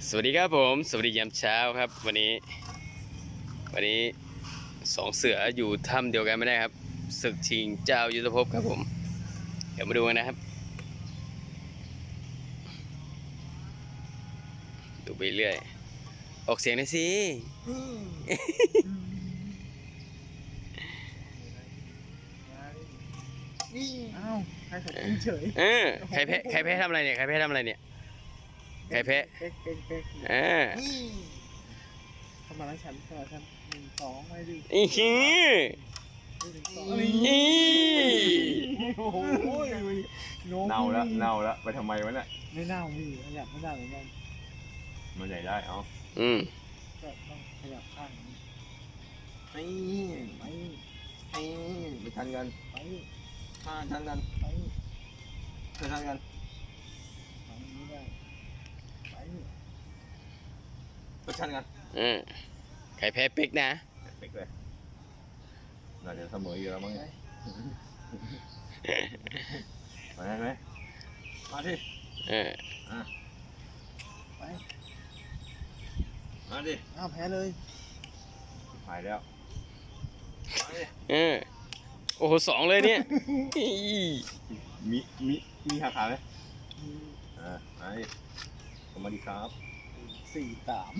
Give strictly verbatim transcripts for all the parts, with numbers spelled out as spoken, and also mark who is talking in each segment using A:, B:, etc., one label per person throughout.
A: สวัสดีครับผมสวัสดียามเช้าครับวันนี้วันนี้สองเสืออยู่ถ้ำเดียวกันไม่ได้ครับศึกชิงเจ้ายุทธภพครับผมเดี๋ยวมาดูกันนะครับดูไปเรื่อยออกเสียงหน่อยสิ
B: อ้าวใครขัดขืนเฉย
A: เออใครแพ้ใครแพ้ทำอะไรเนี่ยใครแพ้ทำอะไรเนี่ยใครแพ้
B: เป๊กเป๊กเป๊ก
A: เออ
B: สมาร์ทแชมป์สมาร์ทแชมป์หนึ่งสองไม่ดี
A: อีฮี
B: หนึ่งสอง
A: อี
B: โอ้โห
C: เน่าแล้วเน่าแล้วไปทำไมวะเนี่ย
B: ไม่เน่าพี่ขยับไม่ได้เหมือนกัน
C: มันใหญ่ได้เอา
A: อืม
B: ก็ต้องขยับข้างนี้
C: ไอ้
B: ไป
C: ไอ้ไปทันกัน
B: ไป
C: อ่าทันกัน
B: ไป
C: ไปทันกัน
B: ทำนี้ได้ไป
C: ไปทันกัน
A: อืมใครแพ้ปิ๊กนะ
C: เป๊กเลยน่าจะเสมออยู่แล้วมั้งมาได้ไหมมาดิ
A: เออ
B: ไป
C: มาดิ
B: อ้าวแพ้เลย
C: หายแล้วมาดิ
A: เออโอ้โหสองเลยเนี่ยอี
C: มีมีมีหักขาไหมอ่ามาดิสวัสดีครับ
B: สี่สาม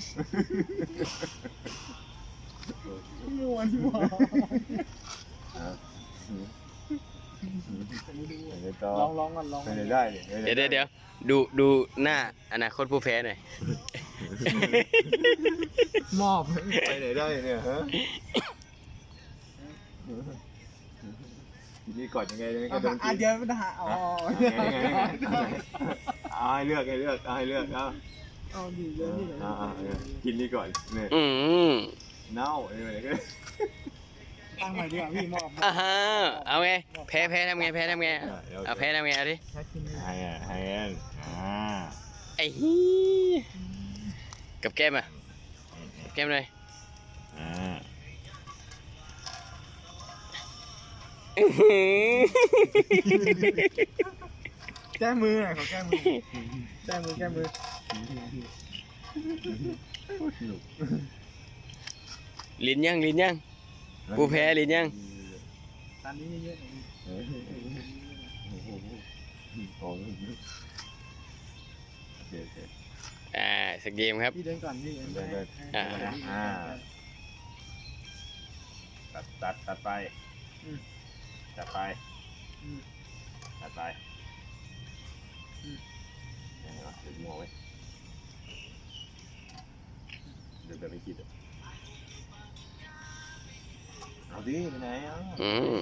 B: มวนมวน
C: อ่า
B: ไม่ดู
C: เดี๋ยวต่อ
B: ลองลองก่อนลอง
C: ไม่ได้ได้
A: เดี๋ยวเดี๋ยวเดี๋ยวดูดูหน้าอนาคตผู้แพ้หน่อย
B: มอบ
C: ไปไหนได้เนี่ยฮะนี่ก่อนยังไงยังไงก็โดน
B: อ่ะ
C: กิน
B: เดี๋ยวไม่ได้อ๋อ
C: เอาให้เลือกให้เลือกเอาให้เลือกเอา
B: เอาดีเยอะนี่เลย
C: อ่ากินนี่ก่อนเนี่ย
A: อืม
C: เน่าอะไรก็
B: ตั้งใหม่ดีกว่าพี่มอบ
A: อ่าฮะเอาไงแพ้แพ้ทำไงแพ้ทำไงเอาแพ้ทำไงเอาดิ
B: แค่กิน
C: ให้อ่ะให้อ่า
A: ไอ้ฮีกับแก้มอ่ะกับแก้มเลย
C: อ่า
A: อื้อหือ
B: แก้มือหน่อยขอแก้มือแก้มือแก้มือ
A: ลิ้นยังลิ้นยังผู้แพ้ลิ้นยัง
B: ตอนนี้เยอะๆหน่อย
C: โอ้โหโอเคโอเค
A: อ่าสกเกมครับ
B: พี่เดินก่อนพี่เดิน
C: เดินเดิน
A: อ่า
C: อ่าตัดตัดตัดไปตัดไปตัดไปยังไงวะเดี๋ยวมัวไว้เดี๋ยวแบบไม่คิดอ่ะเอาดิไปไหนอ่ะ
A: อืม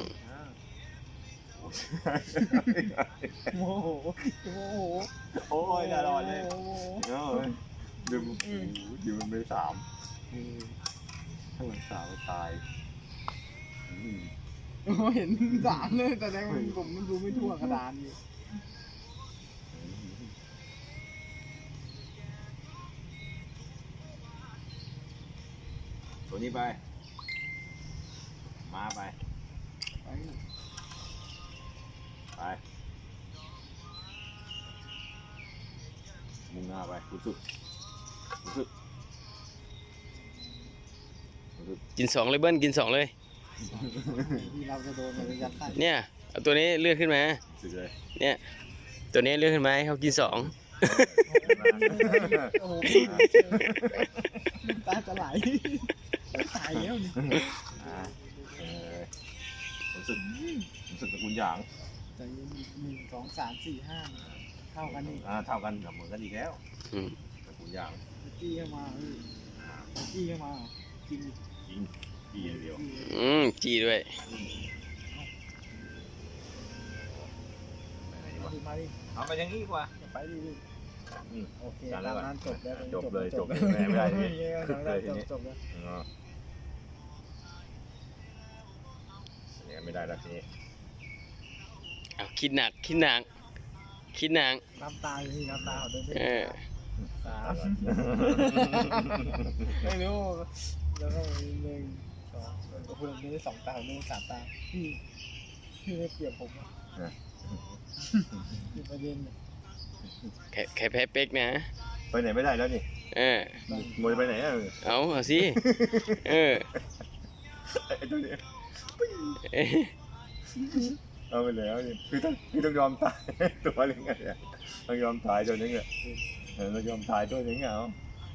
B: โมโหโมโห
C: โอ้ยตลอดเลยเนาะดูดูมันไม่สามถ้ามันสามตาย
B: เห็นสามเลยแต่แรกผมมันดูไม่ทั่วกระดานอยู่
C: ตัวนี้ไป มาไป
B: ไป
C: ไป มุ่งหน้าไปรู้สึกรู้สึกรู้สึก
A: กินสองเลยเบิ้ลกินสองเลย
B: ที่เราจะโดนมันยัดใต้
A: เนี่ยเอาตัวนี้เลื่อนขึ้นมา
C: รู้สึกเลย
A: เนี่ยตัวนี้เลื่อนขึ้นมาให้เขากินสอง
B: โอ้โหตาจะไหลตายแล้วนี่
C: อ่าเออรู้สึกรู้สึกตระกูลหยาง
B: ใจเย็นหนึ่งสองสามสี่ห้าเท่ากันนี่
C: อ่าเท่ากันกับเหมือนกันอีกแล้ว
A: อืม
C: ตระกูลหยาง
B: จี้เข้ามาจี้เข้ามากิน
C: จริงดีอย่างเดียว
A: อืมจีด้วย
C: ไปไหนดีวะ
B: มาดิ
C: เอาไปอย่างนี้ดีกว่า
B: ไปดิ
C: อืม
B: โอเคตามนั้นจบแล้ว
C: จบเลยจบเลยไม่ได้ทีนี้
B: จบเลยจบจบแล้ว
C: อ๋อเนี่ยไม่ได้แล้วทีนี้
A: เอาคิดหนักคิดหนักคิดหนัก
B: น้ำตาอยู่ที่น้ำตาเดินไป
A: เออ
B: สามไม่รู้แล้วก็หนึ่งสองคุณมีได้สองตาผมมีสามตาพี่พี่ไม่เปรียบผมมีประเด็น
A: ใครใครแพ้เป๊กนะ
B: ใ
C: ไปไหนไม่ได้แล้วนี่
A: เออ
C: มวยไปไหนอ่ะ
A: เอาเอาสิเออ
C: ไอ้ตัวนี้
A: เอ้ย
C: เอาไปแล้วนี่คือต้องคือต้องยอมตาย ตัวนึงไงเนี่ยต้องยอมตายตัวนึงอ่ะเออต้องยอมตายตัวนึงอ่ะเอา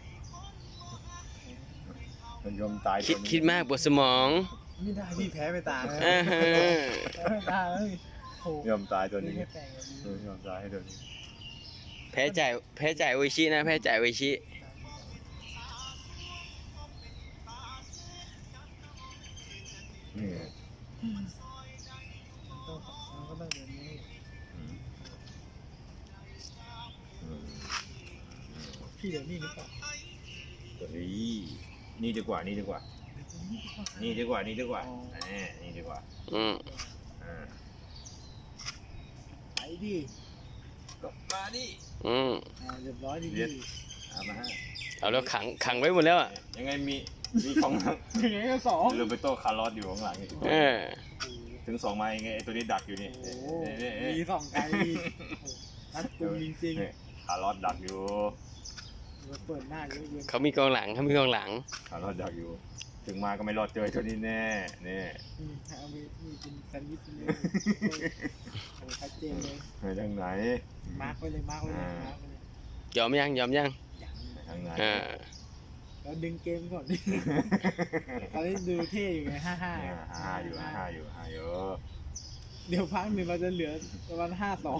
C: ต้องยอมตาย
A: คิดคิดมากปวดสมอง
B: ไม่ได้พี่แพ้ไปตาแล้ว
A: อ่าฮะ
B: แพ้ไปตาแล้วพี่โอ้
C: ยอมตายตัว
B: นี่
C: นึง
B: แค่แปลงแบบนี้
C: เออยอมตายให้ตัวนี้
A: แพ้จ่ายแพ้จ่ายโออิชินะแพ้จ่ายโออิชิ
C: นี่
B: ต้องเราก็ต้องเดินนี้
C: อืมอืม
B: พี่เดินนี่หรือเปล่า
C: ตัวนี้นี่ดีกว่านี่ดีกว่า นี่ดีกว่านี่ดีกว่าแหมนี่ดีกว่า
A: อืม
C: อ่า
B: ไปดิ
C: ก็มาดิ
A: อืม
B: อ่าเรียบร้อยดี
C: เรี
B: ดี
C: ยน เอามาฮะ
A: เอาแล้วขังขังไว้หมดแล้วอ่ะ
C: ยังไงมีมีของ
B: ยังไงก็สอง
C: โรเบโต้คาร์ลอสอยู่ข้างหลังอีก
A: เออ
C: ถึงสองไม้ไงไอตัวนี้ดักอยู่นี่
B: โอ้โห
C: นี่นี่
B: มี
C: นี่
B: สองไกลดีรัดกุมจริง
C: นี่คาร์ลอสดักอยู่
B: ๆมาเปิดหน้าเยอะเกิน
A: เขามีกองหลังเขามีกองหลัง
C: คาร์ลอสดักอยู่ ถึงมาก็ไม่รอดเจอตัวนี้แน่นี่
B: อืมเอามีมีเป็นแซนด์วิชเลยโอ้ชัดเจนเลย
C: ไปทางไหน
B: มาร์กไว้เลยมาร์กไว้เลยมาร์กไว้เลย
A: ยอมยังยอมยัง
B: อย่าง
C: ไปทางไหน
A: อ่า
B: เราดึงเกมก่อน ดิตอนนี้ดูเท่อยู่ไงห้าห้า
C: อ่าห้าอยู่ห้าอยู่ห้าอยู่
B: เดี๋ยวพักหนึ่งเราจะเหลือประมาณห้าสอง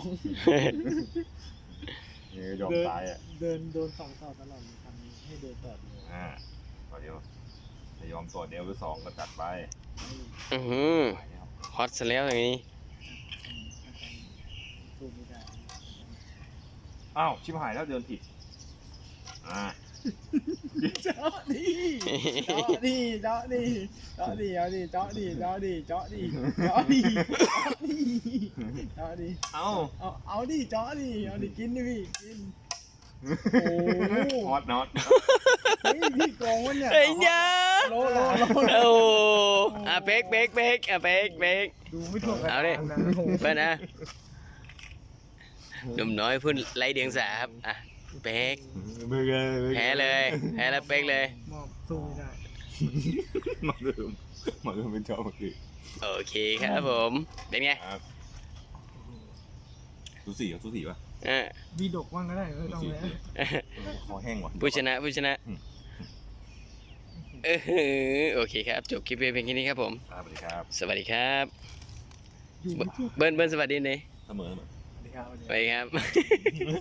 C: นี่ยอม
B: เดิน
C: ตายอ่ะ
B: เดินโดนสองต่อตลอดทำให้เดินต่อดี
C: อ่าพอเดียวจะยอมตัวเดียวหรือสองก็จัดไป
A: อือหือ
C: ไปแล้ว
A: ฮอตซะแล้วอย่างนี้
B: สู้ไม่ได้
C: อ้าวชิบหายแล้วเดินผิดอ่า
B: เจาะดิเจาะดิเจาะดิเจาะดิเอาดิเจาะดิเจาะดิเจาะดิเจาะดิเจาะดิเจาะดิ
C: เอ้า
B: เอาเอาดิเจาะดิเอาดิกินดิพี่กิน โอ้
C: ฮอตน็อต
B: เฮ้ยพี่โกงวะเนี่ย
A: เฮ้ยยา
B: โลโลโล
A: โอ้อ่ะเบรกเบรกเบรกอ่ะเบรกเบรก
B: ดูไม่ถูกกัน
A: เอาดิ
B: นะโอ้โห
A: เพื่อนนะหนุ่มน้อยพุ่นไล่เดียงสาครับอ่ะเบรกแพ้เลยแพ้แล้วเบรกเลย
B: มอบสู้ไม่ได้
C: มาเริ่มมาเริ่มเป็นเจ้าเมื่อกี้
A: โอเคครับผมเป็นไง
C: ครับสูสีอ่ะสูสีป่ะ
A: อ่ะ
B: วีดกว่างก็ได้ไม่ต้องแล้ว
C: คอแห้งว่ะ
A: ผู้ชนะผู้ชนะ
C: อืม
A: เออโอเคครับจบคลิปเพียงแค่นี้ครับผม
C: ครับสวัสดีครับ
A: สวัสดีครับ
B: อยู่ไม่ถูก
A: เบิ้ลเบิ้ลสวัสดีหน่อย
C: เสมอเสมอ
B: สวัสดีครับ
A: ไปครับ